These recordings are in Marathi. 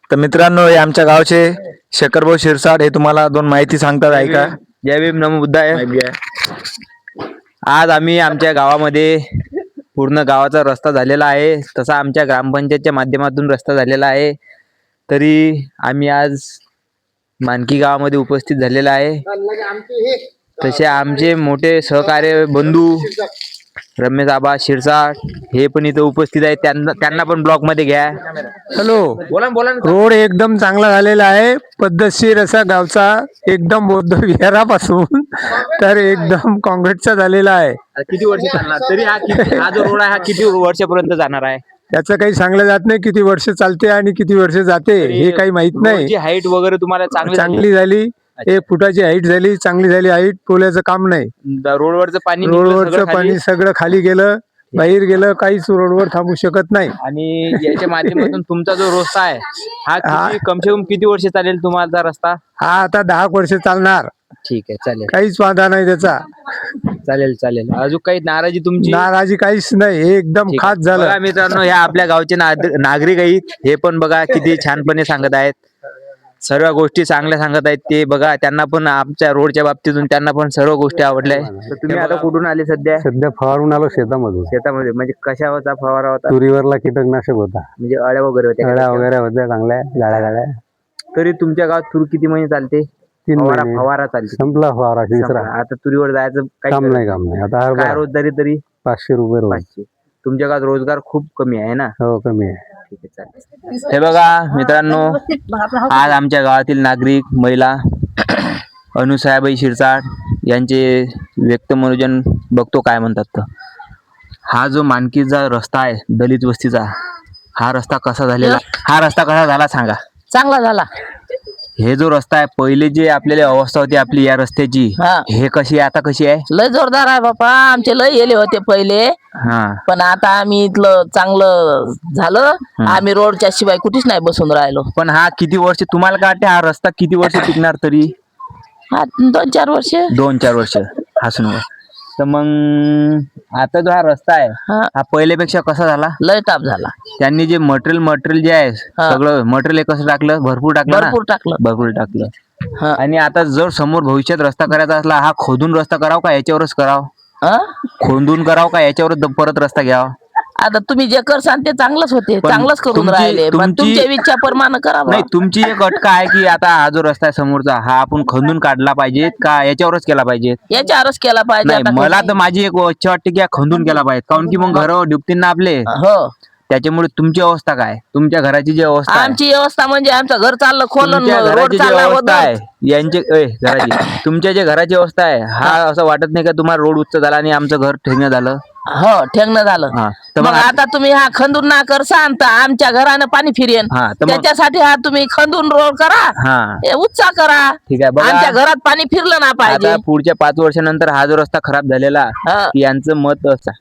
तर मित्रांनो, हे आमच्या गावचे शेखरभाऊ शिरसाट हे तुम्हाला दोन माहिती सांगतात, ऐका. जय भीम नमो बुद्धाय. आज आम्ही आमच्या गावामध्ये पूर्ण गावाचा रस्ता झालेला आहे, तसा आमच्या ग्रामपंचायतच्या माध्यमातून रस्ता झालेला आहे. तरी आम्ही आज मानकी गावामध्ये उपस्थित झालेला आहे. तसे आमचे मोठे सहकार्य बंधू रमेश आबा शिरसाट हे पण इथे उपस्थित आहेत. त्यांना पण ब्लॉक मध्ये घ्या. हॅलो, बोला रोड एकदम चांगला झालेला आहे. पद्धतशीर असा गावचा एकदम बौद्ध विहारापासून तर एकदम काँक्रीटचा झालेला आहे. किती वर्ष चालणार तरी हा जो रोड आहे हा किती वर्षापर्यंत जाणार आहे? त्याचं काही सांगलं जात नाही, किती वर्ष चालते आणि किती वर्ष जाते हे काही माहित नाही. हाईट वगैरे तुम्हाला चांगली झाली, 1 फुटाची हाईट झाली, चांगली झाली हाईट. पोल्याचं काम नाही, रोडवरचं पाणी सगळं खाली गेलं, बाहेर गेलं, काहीच रोडवर थांबू शकत नाही. आणि याच्या माध्यमातून तुमचा जो रस्ता आहे हा कमसे कम किती वर्ष चालेल तुम्हाला रस्ता? हा आता 10 वर्ष चालणार. ठीक आहे, चालेल, काहीच वादा नाही त्याचा. चालेल. अजून काही नाराजी तुमची? नाराजी काहीच नाही, हे एकदम खास झालं. बघा मित्रांनो, ह्या आपल्या गावचे नागरिक आहेत, हे पण बघा किती छानपणे सांगत आहेत, सर्व गोष्टी चांगल्या सांगत आहेत. ते बघा, त्यांना पण आमच्या रोडच्या बाबतीतून त्यांना पण सर्व गोष्टी आढळल्या. तर तुम्ही आता कुठून आले? सध्या फवारून आलो शेतामध्ये. म्हणजे कशावरचा फवारा होता? तुरीवरला कीटकनाशक होता. म्हणजे अळ्या वगैरे होत्या? अळ्या वगैरे होत्या, चांगल्या गाड्या. तरी तुमच्या गावात तूर किती महिने चालते? 3 महिने फवारा चालते. संपला फवारा, तिसरा. आता तुरीवर जायचं काम नाही. आता काय रोजदारी तरी? 500 रुपये रोज. 500. तुमच्या गावात रोजगार खूप कमी आहे ना? हो, कमी आहे. ठीक आहे, चालेल. हे बघा मित्रांनो, आज आमच्या गावातील नागरिक महिला अनुसायाबाई शिरसाट यांचे व्यक्त मनोरंजन बघतो काय म्हणतात. तर हा जो मानकीचा रस्ता आहे दलित वस्तीचा, हा रस्ता कसा झाला सांगा? चांगला झाला. हे जो रस्ता आहे, पहिले जे आपल्याला अवस्था होती आपली या रस्त्याची, हे कशी आहे आता, कशी आहे? लय जोरदार आहे बापा. आमचे लय गेले होते पहिले, पण आता आम्ही इथलं चांगलं झालं. आम्ही रोडच्या शिवाय कुठेच नाही बसून राहिलो. पण हा किती वर्ष तुम्हाला काय वाटते, हा रस्ता किती वर्ष टिकणार तरी? 2-4 वर्ष. 2-4 वर्ष हसून. तर मग आता जो हा रस्ता आहे हा पहिल्यापेक्षा कसा झाला? लय टाप झाला. त्यांनी जे मटेरियल जे आहे सगळं मटेरियल कसं टाकलं? भरपूर टाकलं. आणि आता जर समोर भविष्यात रस्ता करायचा असला, हा खोदून रस्ता करावा का याच्यावरच करावा? खोदून करावा का याच्यावर परत रस्ता घ्यावा? आता तुम्ही जे करसान ते चांगलंच होते, चांगलंच करून राहिले. तुमच्या इच्छा प्रमाणे करा. नाही, तुमची एक अटका आहे की आता हा जो रस्ता आहे समोरचा, हा आपण खंदून काढला पाहिजे का याच्यावरच केला पाहिजे? याच्यावरच केला पाहिजे. मला तर माझी एक इच्छा वाटते की खंदून केला पाहिजे, काऊन की मग घरावर डुबतील ना आपले. हो, त्याच्यामुळे तुमची अवस्था काय? तुमच्या घराची जी अवस्था, आमची व्यवस्था म्हणजे आमचं घर चाललं खोलून, रोड चालला आहे यांची घराची, तुमच्या जे घराची अवस्था आहे, हा असं वाटत नाही का तुम्हाला रोड उच्च झाला आणि आमचं घर ठेंगणं झालं? हो, ठेंगणं झालं. तर मग आता तुम्ही हा खंदून ना करसान तर आमच्या घरानं पाणी फिरेन. त्याच्यासाठी हा तुम्ही खंदून रोड करा, उच्चा करा. ठीक आहे, आमच्या घरात पाणी फिरलं ना पाहिजे. पुढच्या 5 वर्षानंतर हा जो रस्ता खराब झालेला, यांचं मत असं.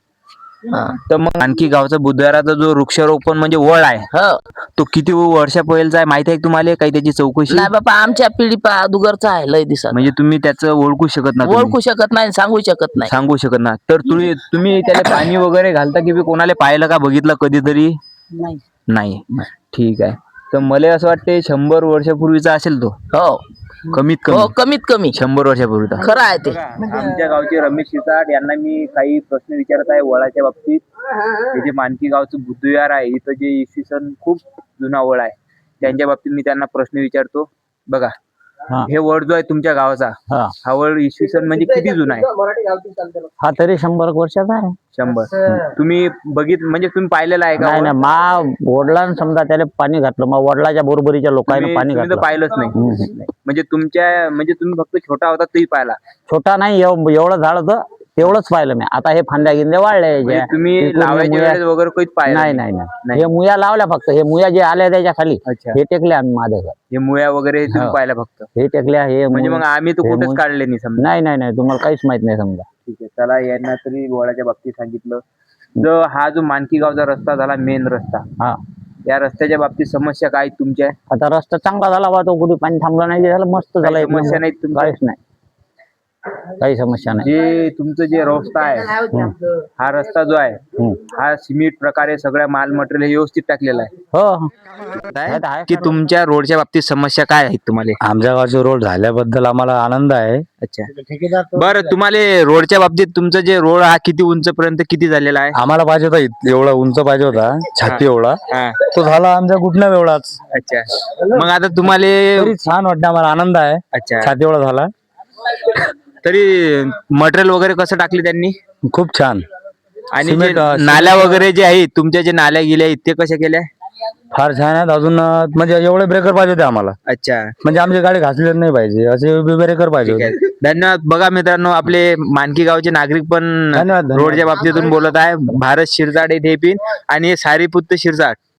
तर मग आणखी गावचा बुधवाराचा जो वृक्षारोपण म्हणजे वळ आहे, तो किती वर्षा पहिलेचा आहे माहिती आहे तुम्हाला? काही त्याची चौकशी नाही बाबा, आमच्या पिढी अगोदरचा आहे, लय दिसत. म्हणजे तुम्ही त्याचं ओळखू शकत नाही? सांगू शकत नाही. तर तुम्ही त्याला पाणी वगैरे घालता की कोणाला पाहिलं का, बघितलं कधीतरी? नाही. ठीक आहे. तर मला असं वाटते 100 वर्षापूर्वीचा असेल तो. हो, कमीत कमी 100 वर्षापूर्वीचा. खरं आहे ते. आमच्या गावचे रमेश शिरसाट यांना मी काही प्रश्न विचारत आहे वळाच्या बाबतीत. हे जे मानकी गावचं बुद्धविहार आहे, इथं जे इसवी सन खूप जुना वळ आहे, त्यांच्या बाबतीत मी त्यांना प्रश्न विचारतो. बघा, हे वळ जो आहे तुमच्या गावाचा, हा वळ इसवी सन म्हणजे किती जुना आहे? हा तरी 100 वर्षाचा आहे. 100. तुम्ही म्हणजे तुम्ही पाहिलेला आहे का? नाही, वडिलांना समजा त्याला पाणी घातलं, मग वडिलाच्या बरोबरीच्या लोकांनी पाणी घातलं. पाहिलंच नाही म्हणजे तुम्ही फक्त छोटा होता तरी पाहिला? छोटा नाही, एवढं झाड होतं तेवढंच पाहिलं मी. आता हे फांद्या गिंद्या वाढले. तुम्ही लावायच्या वेळेस वगैरे काहीच पाहिलं नाही. हे मुया लावल्या फक्त. हे मुया जे आल्या त्याच्या खाली हे टेकले आम्ही माझ्या घर. हे मुया वगैरे तुम्ही पाहिल्या फक्त? हे टेकल्या. हे म्हणजे मग आम्ही तर कुठेच काढले नाही समजा? नाही, तुम्हाला काहीच माहित नाही समजा. ठीक आहे, चला, यांना तरी वळाच्या बाबतीत सांगितलं. हा जो मानकी गावचा रस्ता झाला, मेन रस्ता, या रस्त्याच्या बाबतीत समस्या काय तुमच्या? आता रस्ता चांगला झाला बा, तो कुठे पाणी थांबला नाही, झालं मस्त झालं. समस्या नाही काहीच नाही. काही समस्या नाही. जे तुमचं जे रस्ता आहे, हा रस्ता जो आहे हा सिमेंट प्रकारे सगळ्या माल मटेरियल व्यवस्थित टाकलेला आहे. हो आहे की तुमच्या रोडच्या बाबतीत समस्या काय आहेत तुम्हाला? आमच्या गावचे रोड झाल्याबद्दल आम्हाला आनंद आहे. अच्छा, बरं तुम्हाला रोडच्या बाबतीत तुमचं जे रोड हा किती उंच पर्यंत किती झालेला आहे? आम्हाला पाहिजे होता एवढा उंच पाहिजे होता, छाती एवढा. हा, तो झाला आमच्या घुटण्या एवढाच. अच्छा. मग आता तुम्हाला तरी छान वाटतं, आम्हाला आनंद आहे. अच्छा, छाती एवढा झाला, तरी मटेरियल वगैरे कसं टाकले त्यांनी? खूप छान. आणि जे सिमेंट, नाल्या वगैरे जे आहेत तुमच्या, जे नाल्या गेल्या आहेत ते कशा केल्या? फार छान आहेत. अजून म्हणजे एवढे ब्रेकर पाहिजे होते आम्हाला, अच्छा, म्हणजे आमची गाडी घासलेली नाही पाहिजे असे ब्रेकर पाहिजे ठीक होते. आहे. धन्यवाद. बघा मित्रांनो, आपले मानकी गावचे नागरिक पण धन्यवाद. रोडच्या बाबतीतून बोलत आहे. भारत शिरसाट येथे पिन आणि सारीपुत्त शिरसाट